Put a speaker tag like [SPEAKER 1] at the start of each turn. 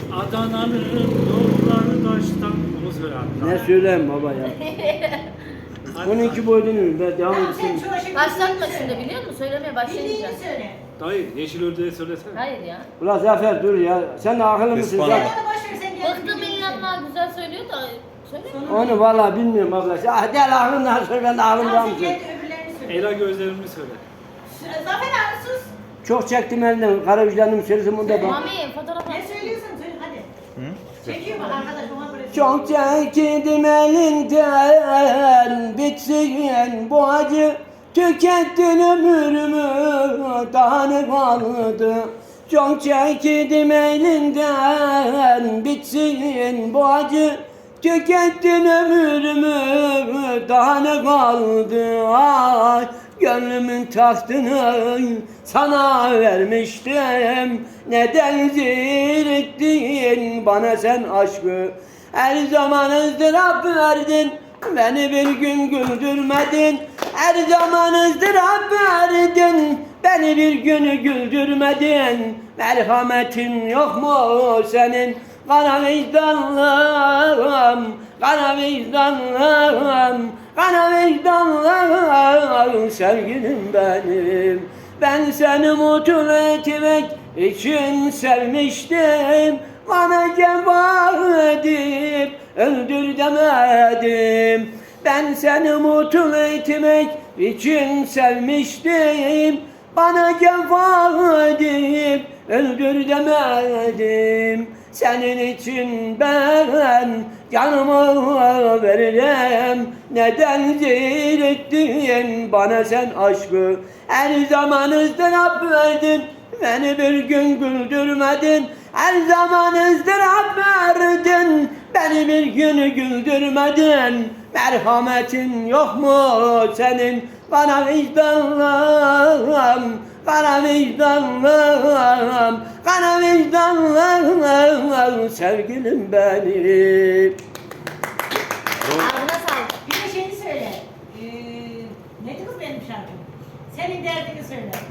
[SPEAKER 1] Adana'nın yolları taştan. Onu söyle abi.
[SPEAKER 2] Ne söyleyeyim baba ya. 12 boyunu ben devam edeyim.
[SPEAKER 3] Başlatma şimdi biliyor musun? Söylemeye başlayınca.
[SPEAKER 4] Bildiğini söyle.
[SPEAKER 1] Dayı yeşil ördeği söylesene.
[SPEAKER 3] Hayır ya.
[SPEAKER 2] Ulan Zafer dur ya. Sen de akıllı mısın
[SPEAKER 5] Bana.
[SPEAKER 4] Sen
[SPEAKER 2] Zafer?
[SPEAKER 4] onu boş ver sen gel.
[SPEAKER 3] Bıktım inanma güzel söylüyor da. Söyle.
[SPEAKER 2] Onu vallahi bilmiyorum abla. Ah gel aklımdan söyle ben de aklımdan
[SPEAKER 4] Tamam sen
[SPEAKER 2] söyle.
[SPEAKER 4] gel öbürlerini söyle.
[SPEAKER 1] Ela gözlerimi söyle.
[SPEAKER 4] Zafer abi sus.
[SPEAKER 2] Çok çektim elinden. Kara vicdanım söylesin bunu da bak.
[SPEAKER 3] Mami fotoğraf
[SPEAKER 4] Ne
[SPEAKER 3] at.
[SPEAKER 4] söylüyorsun söyle hadi.
[SPEAKER 5] Hı?
[SPEAKER 4] Çekiyor bak arkadaş ona buraya.
[SPEAKER 2] Çok çektim elinden bitsin bu acı. Tükettin ömrümü daha ne kaldı. Çok çektim elinden bitsin bu acı. Tükettin ömrümü daha ne kaldı. Ay gönlümün tahtını sana vermiştim. Neden zirrettin bana sen aşkı. Her zaman ızdırap verdin, beni bir gün güldürmedin. Her zaman ızdırap verdin, beni bir günü güldürmedin. Merhametin yok mu senin? Kara vicdanlım, kara vicdanlım, kara vicdanlım, sevgilim benim. Ben seni mutlu etmek için sevmiştim. Bana cefa edip öldür demedim. Ben seni mutlu etmek için sevmiştim. Bana cefa edip öldür demedim. Senin için ben canımı veririm. Neden zirrettin bana sen aşkı. Her zaman ızdırap verdin, beni bir gün güldürmedin. Her zaman ızdırap verdin, beni bir gün güldürmedin. Merhametin yok mu senin? Bana vicdanlım, kara vicdanlım, kara vicdanlım, sevgilim benim.
[SPEAKER 3] Ağzına sağlık.
[SPEAKER 4] Bir de şeyini söyle. Neydi kız benim şarkım? Senin derdini söyle.